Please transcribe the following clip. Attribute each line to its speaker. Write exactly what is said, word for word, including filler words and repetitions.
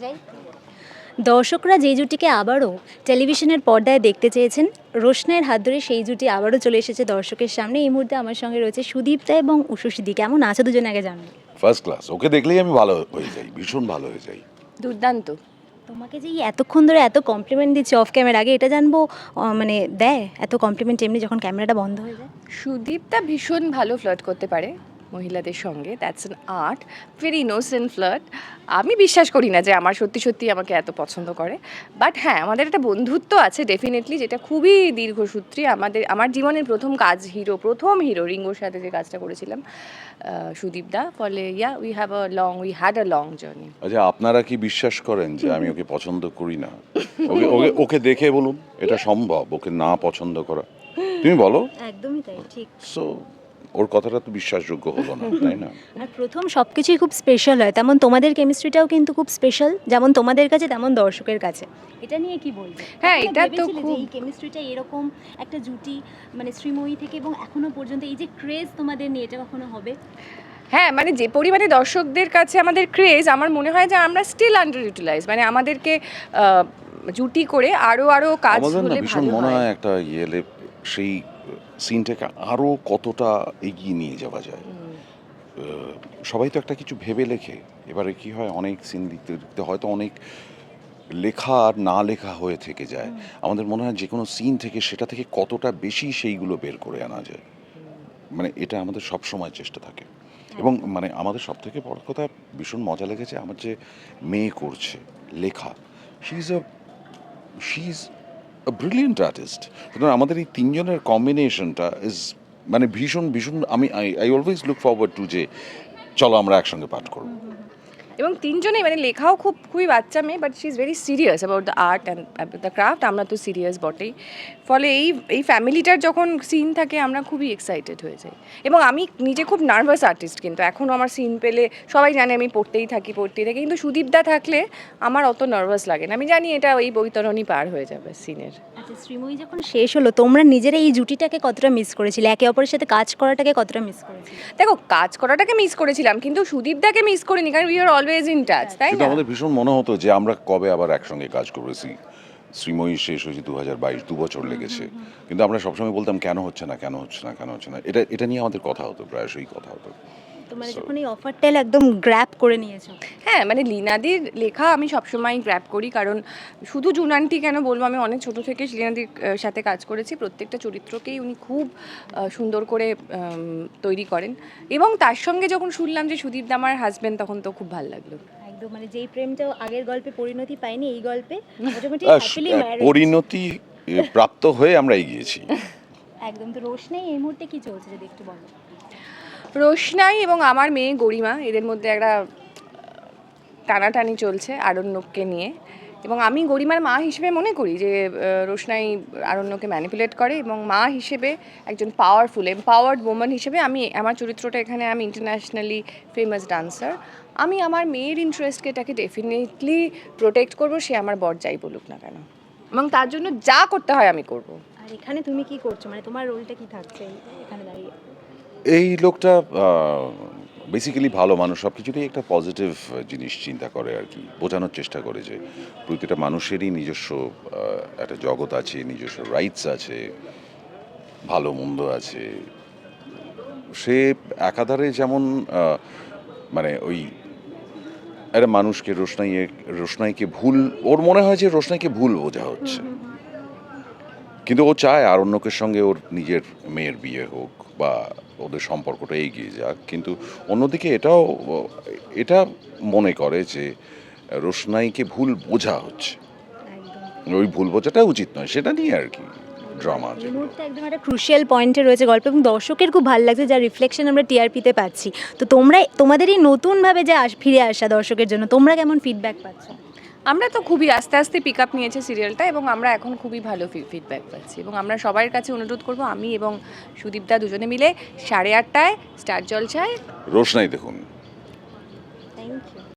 Speaker 1: যাই। দর্শকরা যে জুটিকে আবারও টেলিভিশনের পর্দায় দেখতে চেয়েছেন, রোশনাইয়ের হাত ধরে সেই জুটি আবারও চলে এসেছে দর্শকের সামনে। এই মুহূর্তে আমার সঙ্গে রয়েছে সুদীপ্তা এবং উষসীদি। কেমন আছে দুজনে আগে জানবো।
Speaker 2: ফার্স্ট ক্লাস, ওকে দেখলেই আমি ভালো হয়ে যাই, ভীষণ ভালো হয়ে যাই।
Speaker 3: দুর্দান্ত।
Speaker 1: তোমাকে যে এই এতক্ষণ ধরে এত কমপ্লিমেন্ট দিচ্ছে অফ ক্যামেরা, আগে এটা জানবো আহ, মানে দেয় এত কমপ্লিমেন্ট এমনি যখন ক্যামেরাটা বন্ধ হয়ে যায়?
Speaker 3: সুদীপটা ভীষণ ভালো ফ্লার্ট করতে পারে মহিলাদের সঙ্গে, that's an art, very innocent flirt. আমি বিশ্বাস করি না যে আমার সত্যি সত্যি আমাকে এত পছন্দ করে, বাট হ্যাঁ আমাদের একটা বন্ধুত্ব আছে ডেফিনেটলি, যেটা খুবই দীর্ঘসূত্রী। আমাদের আমার জীবনের প্রথম কাজ, হিরো প্রথম হিরো রিঙ্গোর সাথে যে কাজটা করেছিলাম সুদীপদা, ফলে yeah we have a long we had a long journey.
Speaker 2: আচ্ছা, আপনারা কি বিশ্বাস করেন যে আমি ওকে পছন্দ করি না? ওকে ওকে ওকে দেখে বলুন এটা সম্ভব ওকে না পছন্দ করা? তুমি বলো।
Speaker 1: একদমই তাই, ঠিক।
Speaker 2: সো ওর কথাটা তো বিশ্বাসযোগ্য হলো না, তাই না?
Speaker 1: আর প্রথম সব কিছুই খুব স্পেশাল হয়, তেমন তোমাদের কেমিস্ট্রিটাও কিন্তু খুব স্পেশাল, যেমন তোমাদের কাছে তেমন দর্শকের কাছে। এটা নিয়ে কি বলবে?
Speaker 3: হ্যাঁ,
Speaker 1: কখনো
Speaker 3: এটা তো
Speaker 1: ভেবেছিলে যে
Speaker 3: খুব-
Speaker 1: এই কেমিস্ট্রিটা এরকম একটা জুটি, মানে শ্রীময়ী থেকে এবং এখনো পর্যন্ত এই যে ক্রেজ তোমাদের নিয়ে, এটা কখনো হবে?
Speaker 3: হ্যাঁ, মানে যে পরিমাণে দর্শকদের কাছে আমাদের ক্রেজ, আমার মনে হয় যে আমরা স্টিল আন্ডার ইউটিলাইজ, মানে আমাদেরকে আহ, জুটি করে আরো আরো কাজ
Speaker 2: আমাদের না
Speaker 3: হলে
Speaker 2: ভীষণ
Speaker 3: ভালো
Speaker 2: মনে
Speaker 3: হয়।
Speaker 2: হয় একটা ইয়েলে সেই সিনটাকে আরো কতটা এগিয়ে নিয়ে যাওয়া যায়। আহ, সবাই তো একটা কিছু ভেবে লেখে, এবারে কি হয় অনেক সিন লিখতে লিখতে হয়তো অনেক লেখা আর না লেখা হয়ে থেকে যায়। আমাদের মনে হয় যে কোনো সিন থেকে সেটা থেকে কতটা বেশি সেইগুলো বের করে আনা যায়, মানে এটা আমাদের সব সময় চেষ্টা থাকে। এবং মানে আমাদের সব থেকে বড় কথা ভীষণ মজা লেগেছে আমার যে মেয়ে করছে লেখা, she is a she is a brilliant artist. সুতরাং আমাদের এই তিনজনের কম্বিনেশনটা ইজ মানে ভীষণ ভীষণ, আমি I I always look forward to যে চলো আমরা একসঙ্গে পাঠ করবো।
Speaker 3: এবং তিনজনেই মানে লেখাও খুব খুবই বাচ্চা মেয়ে, but she is very serious about the art and the craft. আমরা তো সিরিয়াস বটেই, ফলে এই এই ফ্যামিলিটার যখন সিন থাকে আমরা খুবই এক্সাইটেড হয়ে যাই। এবং আমি নিজে খুব নার্ভাস আর্টিস্ট, কিন্তু এখনও আমার সিন পেলে সবাই জানে আমি পড়তেই থাকি পড়তেই থাকি, কিন্তু সুদীপদা থাকলে আমার অত নার্ভাস লাগে না। আমি জানি এটা এই বৈতরণই পার হয়ে যাবে সিনের।
Speaker 1: আচ্ছা, শ্রীময়ী যখন শেষ হলো, তোমরা নিজেরা এই জুটিটাকে কতটা মিস করেছিলে, একে অপরের সাথে কাজ করাটাকে কতটা মিস করেছিলে?
Speaker 3: দেখো, কাজ করাটাকে মিস করেছিলাম, কিন্তু সুদীপদাকে মিস করিনি, কারণ we are always in touch, তাই
Speaker 2: কিন্তু
Speaker 3: না?
Speaker 2: আমাদের ভীষণ মনে হতো যে আমরা কবে আবার একসঙ্গে কাজ করেছি। শ্রীময়ী শেষ হয়েছে দু হাজার বাইশ, দু বছর লেগেছে, কিন্তু আমরা সবসময় বলতাম কেন হচ্ছে না কেন হচ্ছে না কেন হচ্ছে না, এটা এটা নিয়ে আমাদের কথা হতো, প্রায়শই কথা হতো।
Speaker 1: তোমরা
Speaker 2: So-
Speaker 1: যখন এই অফারটা একদম গ্র্যাব করে নিয়েছো।
Speaker 3: হ্যাঁ, মানে লীনাদির লেখা আমি সবসময় গ্র্যাব করি, কারণ শুধু জুনান্টি কেন বলবো, আমি অনেক ছোট থেকে লীনাদির আহ, সাথে কাজ করেছি। প্রত্যেকটা চরিত্রকেই উনি খুব আহ, সুন্দর করে উম, তৈরি করেন। এবং তার সঙ্গে যখন শুনলাম যে সুদীপদা আমার হাজবেন্ড, তখন তো খুব ভালো লাগলো।
Speaker 1: একদম, মানে যেই প্রেমটা আগের গল্পে পরিণতি পায়নি, এই গল্পে মোটামুটি
Speaker 2: আহ,
Speaker 1: হ্যাপিলি
Speaker 2: আহ,
Speaker 1: ম্যারিড।
Speaker 2: পরিণতি এ, প্রাপ্ত হয়ে আমরা এগিয়েছি।
Speaker 1: একদম। তো রোশনাই এই মুহূর্তে কি চলছে যদি একটু বলো।
Speaker 3: রোশনাই এবং আমার মেয়ে গরিমা, এদের মধ্যে একটা টানাটানি চলছে আরণ্যককে নিয়ে। এবং আমি গরিমার মা হিসেবে মনে করি যে আহ, রোশনাই আরণ্যকে ম্যানিপুলেট করে, এবং মা হিসেবে একজন পাওয়ারফুল এম্পাওয়ার্ড ওম্যান হিসেবে আমি আমার চরিত্রটা এখানে, আমি ইন্টারন্যাশনালি ফেমাস ডান্সার, আমি আমার মেয়ের ইন্টারেস্টকে এটাকে ডেফিনেটলি প্রোটেক্ট করবো, সে আমার বর যাই বলুক না কেন, এবং তার জন্য যা করতে হয় আমি করব।
Speaker 1: আর এখানে তুমি কি করছো, মানে তোমার রোলটা কি থাকছে এই- এখানে দাঁড়িয়ে?
Speaker 2: এই লোকটা বেসিক্যালি ভালো মানুষ, সব কিছুতেই একটা পজিটিভ জিনিস চিন্তা করে আর কি, বোঝানোর চেষ্টা করে যে প্রতিটা মানুষেরই নিজস্ব আহ, একটা জগৎ আছে, নিজস্ব রাইটস আছে, ভালো মন্দ আছে। সে একাধারে যেমন আহ, মানে ওই একটা মানুষকে রোশনাই রোশনাইকে ভুল, ওর মনে হয় যে রোশনাইকে ভুল বোঝা হচ্ছে, কিন্তু ও চায় আরণ্যকের সঙ্গে ওর নিজের মেয়ের বিয়ে হোক বা ওদের সম্পর্কটা এগিয়ে যাক, কিন্তু অন্যদিকে এটাও এটা মনে করে যে রোশনাইকে ভুল বোঝা হচ্ছে,
Speaker 1: একদম।
Speaker 2: ওই ভুল বোঝাটা উচিত নয়, সেটা নিয়ে আর কি ড্রামা।
Speaker 1: এই মুহূর্তে একদম একটা ক্রুশিয়াল পয়েন্টে রয়েছে গল্প, এবং দর্শকের খুব ভালো লাগছে, যার রিফ্লেকশন আমরা টিআরপিতে পাচ্ছি। তো তোমরা তোমাদের এই নতুনভাবে যে আস ফিরে আসা দর্শকের জন্য, তোমরা কেমন ফিডব্যাক পাচ্ছ?
Speaker 3: আমরা তো খুবই আস্তে আস্তে পিক আপ নিয়েছে সিরিয়ালটা, এবং আমরা এখন খুবই ভালো ফিডব্যাক পাচ্ছি, এবং আমরা সবার কাছে অনুরোধ করব, আমি এবং সুদীপদা দুজনে মিলে সাড়ে আটটায় স্টার জলসায়
Speaker 2: রোশনাই দেখুন।